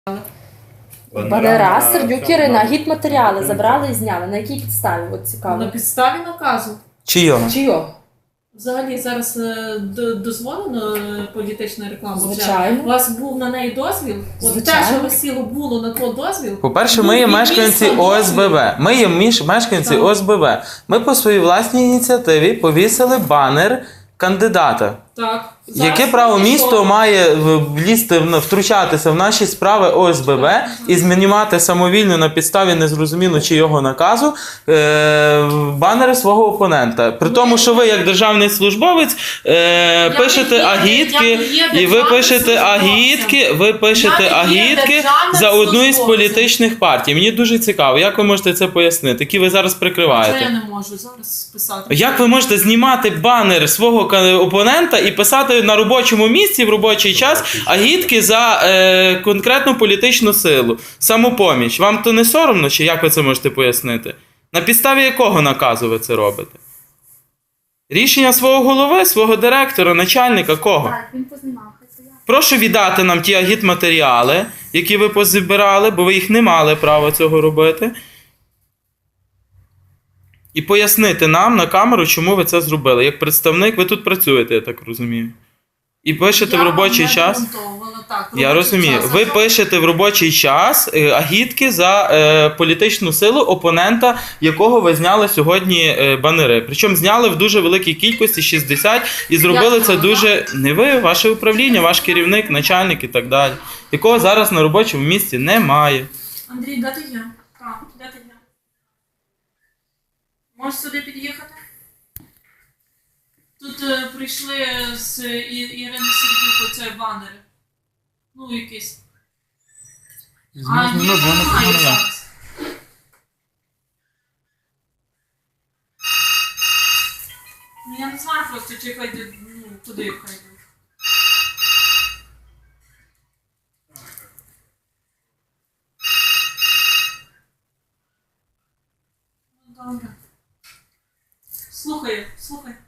Банера, Сердюк Ірина, агітматеріали забрали і зняли. На якій підставі? От цікаво. На підставі наказу. Чийого? Чийого? Взагалі зараз дозволено політична реклама? Звичайно. У вас був на неї дозвіл? От те, Звичайно. що висіло, було на то дозвіл? По-перше, ми є мешканці ОСББ. Ми є мешканці Так. ОСББ. Ми по своїй власній ініціативі повісили банер кандидата. Так. Яке право місто має втручатися в наші справи ОСББ і змінювати самовільно на підставі незрозуміло чийого наказу банери свого опонента? При тому, що ви як державний службовець пишете агітки, і ви пишете агітки за одну із політичних партій. Мені дуже цікаво, як ви можете це пояснити, які ви зараз Це прикриваєте? я не можу зараз писати. Як ви можете знімати банер свого опонента і писати на робочому місці в робочий час агітки за конкретну політичну силу, самопоміч? Вам то не соромно, чи як ви це можете пояснити? На підставі якого наказу ви це робите? Рішення свого голови, свого директора, начальника, кого? Так, він познімав. Прошу віддати нам ті агітматеріали, які ви позбирали, бо ви їх не мали права цього робити. І пояснити нам на камеру, чому ви це зробили. Як представник, ви тут працюєте, я так розумію. І пишете в робочий час. Я розумію. Ви пишете в робочий час агітки за політичну силу опонента, якого ви зняли сьогодні банери. Причому зняли в дуже великій кількості, 60, і зробили це дуже... Не ви, ваше управління, ваш керівник, начальник і так далі. Якого зараз на робочому місці немає. Андрій, де ти є? Так, де ти є? Можеш сюди під'їхати? Тут прийшли з Ірини Сердюк оцей банери. Ну, якийсь. А їх немає зараз. Ну, я не знаю просто, чи хай йде, ну, куди хай йде. Добре. Слухай.